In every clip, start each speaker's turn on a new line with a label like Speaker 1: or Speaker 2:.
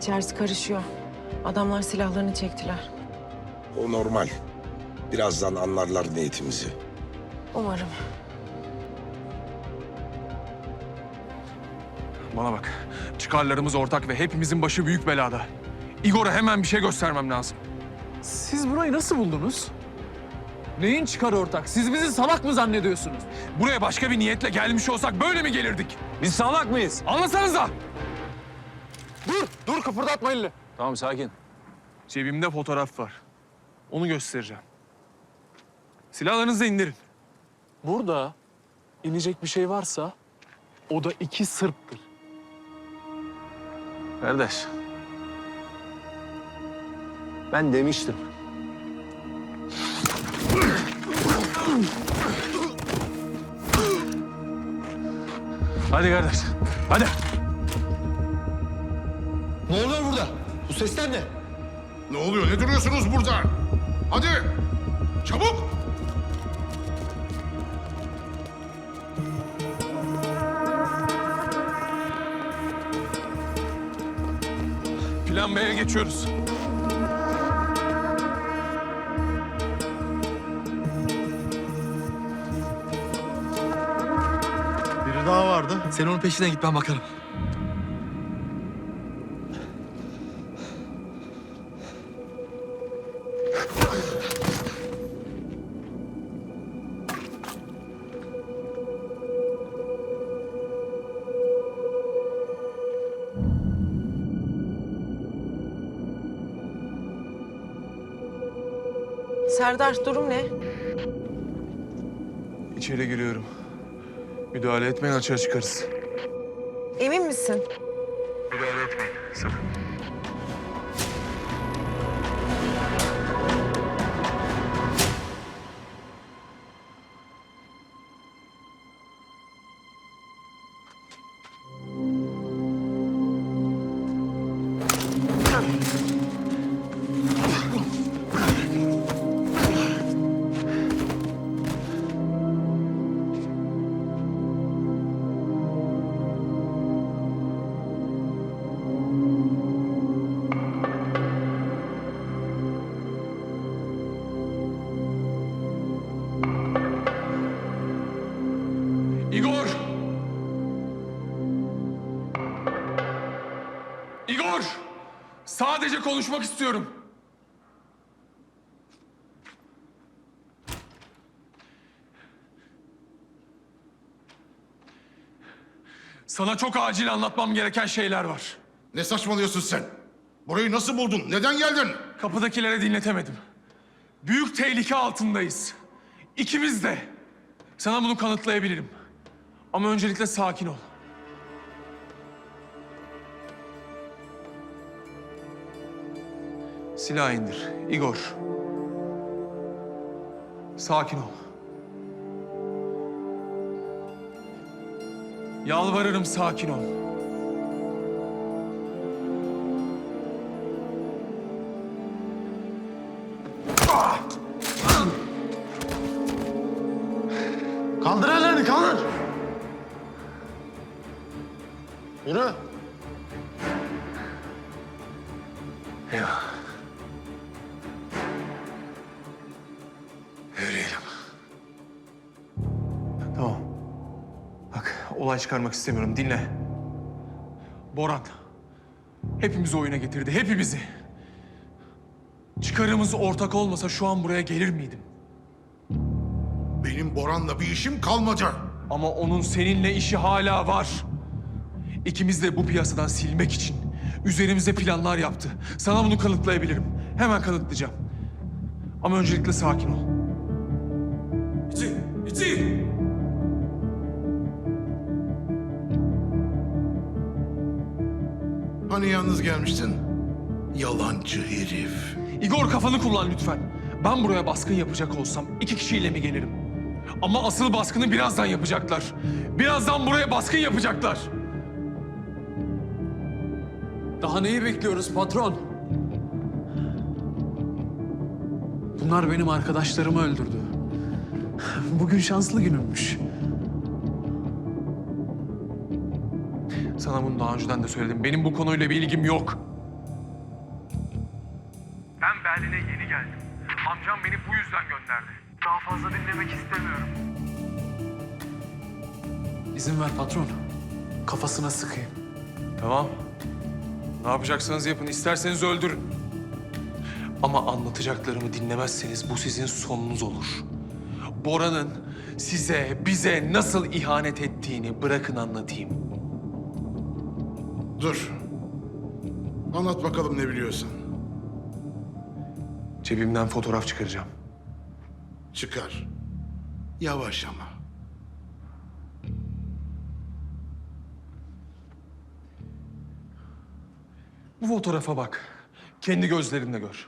Speaker 1: İçerisi karışıyor. Adamlar silahlarını çektiler.
Speaker 2: O normal. Birazdan anlarlar niyetimizi.
Speaker 1: Umarım.
Speaker 3: Bana bak. Çıkarlarımız ortak ve hepimizin başı büyük belada. Igor'a hemen bir şey göstermem lazım.
Speaker 4: Siz burayı nasıl buldunuz? Neyin çıkarı ortak? Siz bizi salak mı zannediyorsunuz?
Speaker 3: Buraya başka bir niyetle gelmiş olsak böyle mi gelirdik?
Speaker 4: Biz salak mıyız?
Speaker 3: Anlasanıza!
Speaker 4: Dur kıpırdatma elini.
Speaker 5: Tamam sakin.
Speaker 3: Cebimde fotoğraf var. Onu göstereceğim. Silahlarınızı indirin.
Speaker 4: Burada inecek bir şey varsa o da 2 Sırp'tır.
Speaker 5: Kardeş. Ben demiştim.
Speaker 3: Hadi kardeş, hadi.
Speaker 6: Ne oluyor burada? Bu sesler ne?
Speaker 2: Ne oluyor? Ne duruyorsunuz burada? Hadi! Çabuk!
Speaker 3: Plan B'ye geçiyoruz.
Speaker 6: Biri daha vardı. Sen onun peşinden git, ben bakarım.
Speaker 1: Serdar, durum ne?
Speaker 3: İçeri giriyorum. Müdahale etmeyin, açığa çıkarız.
Speaker 1: Emin misin?
Speaker 3: Müdahale etmeyin, sakın. Igor! Igor! Sadece konuşmak istiyorum. Sana çok acil anlatmam gereken şeyler var.
Speaker 2: Ne saçmalıyorsun sen? Burayı nasıl buldun? Neden geldin?
Speaker 3: Kapıdakilere dinletemedim. Büyük tehlike altındayız. İkimiz de. Sana bunu kanıtlayabilirim. Ama öncelikle sakin ol. Silah indir. Igor. Sakin ol. Yalvarırım, sakin ol.
Speaker 6: Kaldır ellerini, kaldır! Yürü!
Speaker 3: Ya. Yürüyelim. Tamam. Bak, olay çıkarmak istemiyorum. Dinle. Boran. Hepimizi oyuna getirdi. Hepimizi. Çıkarımız ortak olmasa şu an buraya gelir miydim?
Speaker 2: Benim Boran'la bir işim kalmadı.
Speaker 3: Ama onun seninle işi hala var. İkimiz de bu piyasadan silmek için üzerimize planlar yaptı. Sana bunu kanıtlayabilirim. Hemen kanıtlayacağım. Ama öncelikle sakin ol. İçi!
Speaker 2: Hani yalnız gelmiştin? Yalancı herif.
Speaker 3: Igor, kafanı kullan lütfen. Ben buraya baskın yapacak olsam 2 kişiyle mi gelirim? Ama asıl baskını birazdan yapacaklar. Birazdan buraya baskın yapacaklar.
Speaker 4: Daha neyi bekliyoruz patron? Bunlar benim arkadaşlarımı öldürdü. Bugün şanslı günümmüş.
Speaker 3: Sana bunu daha önceden de söyledim. Benim bu konuyla bir ilgim yok. Berlin'e yeni geldim. Amcam beni bu yüzden gönderdi. Daha fazla dinlemek istemiyorum.
Speaker 4: İzin ver patron. Kafasına sıkayım.
Speaker 3: Tamam. Ne yapacaksanız yapın. İsterseniz öldürün. Ama anlatacaklarımı dinlemezseniz bu sizin sonunuz olur. Bora'nın size, bize nasıl ihanet ettiğini bırakın anlatayım.
Speaker 2: Dur. Anlat bakalım ne biliyorsun.
Speaker 3: Cebimden fotoğraf çıkaracağım.
Speaker 2: Çıkar. Yavaş ama.
Speaker 3: Bu fotoğrafa bak. Kendi gözlerinle gör.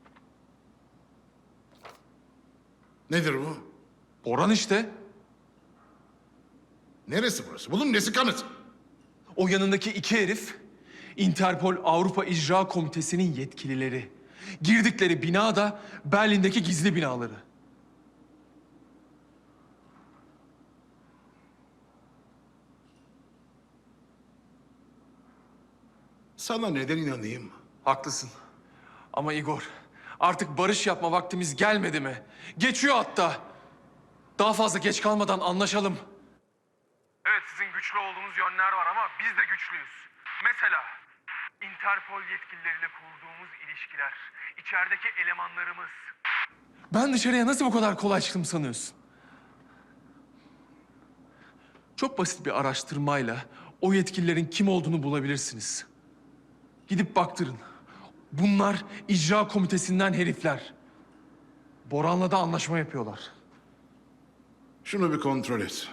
Speaker 2: Nedir bu?
Speaker 3: Boran işte.
Speaker 2: Neresi burası? Bunun nesi kanıt?
Speaker 3: O yanındaki iki herif Interpol Avrupa İcra Komitesi'nin yetkilileri. Girdikleri bina da Berlin'deki gizli binaları.
Speaker 2: Sana neden inanayım?
Speaker 3: Haklısın. Ama Igor, artık barış yapma vaktimiz gelmedi mi? Geçiyor hatta. Daha fazla geç kalmadan anlaşalım. Evet, sizin güçlü olduğunuz yönler var ama biz de güçlüyüz. Mesela Interpol yetkilileriyle kurduğumuz ilişkiler, içerideki elemanlarımız. Ben dışarıya nasıl bu kadar kolay çıktım sanıyorsun? Çok basit bir araştırmayla o yetkililerin kim olduğunu bulabilirsiniz. Gidip baktırın. Bunlar icra komitesinden herifler. Boran'la da anlaşma yapıyorlar.
Speaker 2: Şunu bir kontrol et.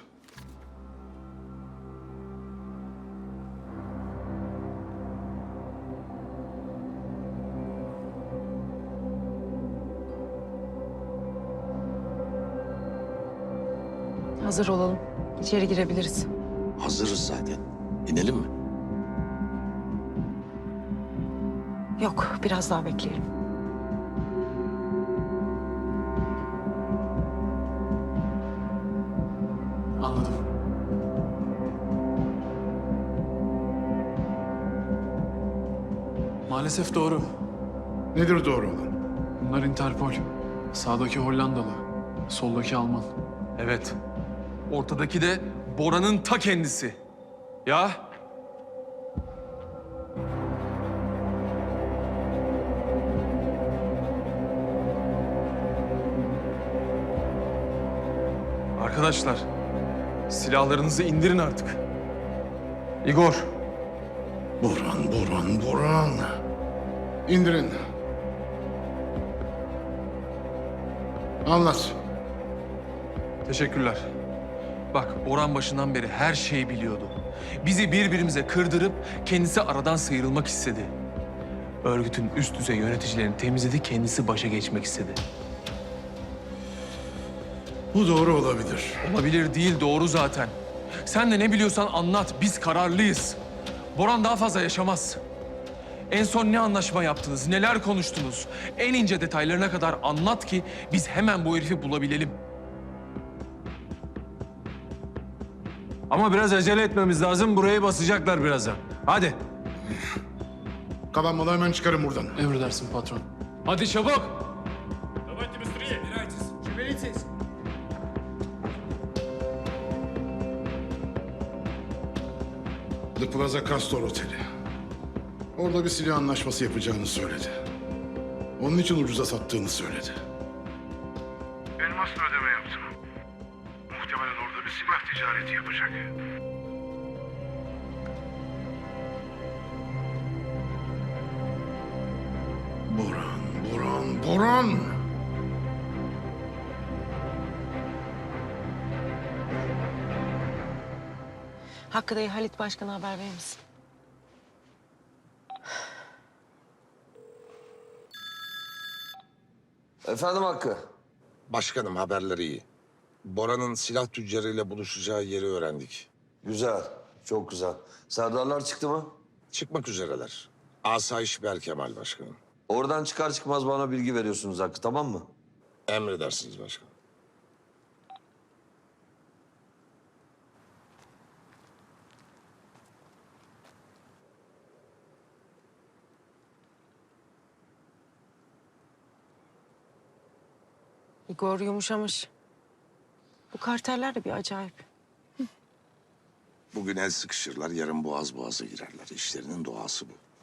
Speaker 1: Hazır olalım. İçeri girebiliriz.
Speaker 7: Hazırız zaten. İnelim mi?
Speaker 1: Yok, biraz daha bekleyelim.
Speaker 4: Anladım. Maalesef doğru.
Speaker 2: Nedir doğru olan?
Speaker 4: Bunlar Interpol. Sağdaki Hollandalı, soldaki Alman.
Speaker 3: Evet. Ortadaki de Bora'nın ta kendisi. Ya? Arkadaşlar, silahlarınızı indirin artık. Igor,
Speaker 2: Boran. İndirin. Anlat.
Speaker 3: teşekkürler. Bak, Boran başından beri her şeyi biliyordu. Bizi birbirimize kırdırıp kendisi aradan sıyrılmak istedi. Örgütün üst düzey yöneticilerini temizledi, kendisi başa geçmek istedi.
Speaker 2: Bu doğru olabilir.
Speaker 3: Olabilir değil, doğru zaten. Sen de ne biliyorsan anlat, biz kararlıyız. Boran daha fazla yaşamaz. En son ne anlaşma yaptınız, neler konuştunuz? En ince detaylarına kadar anlat ki biz hemen bu herifi bulabilelim.
Speaker 5: Ama biraz acele etmemiz lazım. Burayı basacaklar birazdan. Hadi.
Speaker 2: Kalan malı hemen çıkarın buradan.
Speaker 4: Emredersin patron. Hadi çabuk!
Speaker 2: The Plaza Castor Oteli. Orada bir silah anlaşması yapacağını söyledi. Onun için ucuza sattığını söyledi. Elmasla ödeme yaptım. Muhtemelen orada bir silah ticareti yapacak. Boran!
Speaker 1: Hakkı dayı, Halit Başkan'a haber verir misin?
Speaker 7: Efendim Hakkı.
Speaker 8: Başkanım haberleri iyi. Bora'nın silah tüccarıyla buluşacağı yeri öğrendik.
Speaker 7: Güzel. Çok güzel. Serdarlar çıktı mı?
Speaker 8: Çıkmak üzereler. Asayiş Berkemal başkanım.
Speaker 7: Oradan çıkar çıkmaz bana bilgi veriyorsunuz Hakkı, tamam mı?
Speaker 8: Emredersiniz başkanım.
Speaker 1: Igor yumuşamış. Bu karteller de bir acayip.
Speaker 8: Bugün el sıkışırlar, yarın boğaz boğaza girerler. İşlerinin doğası bu.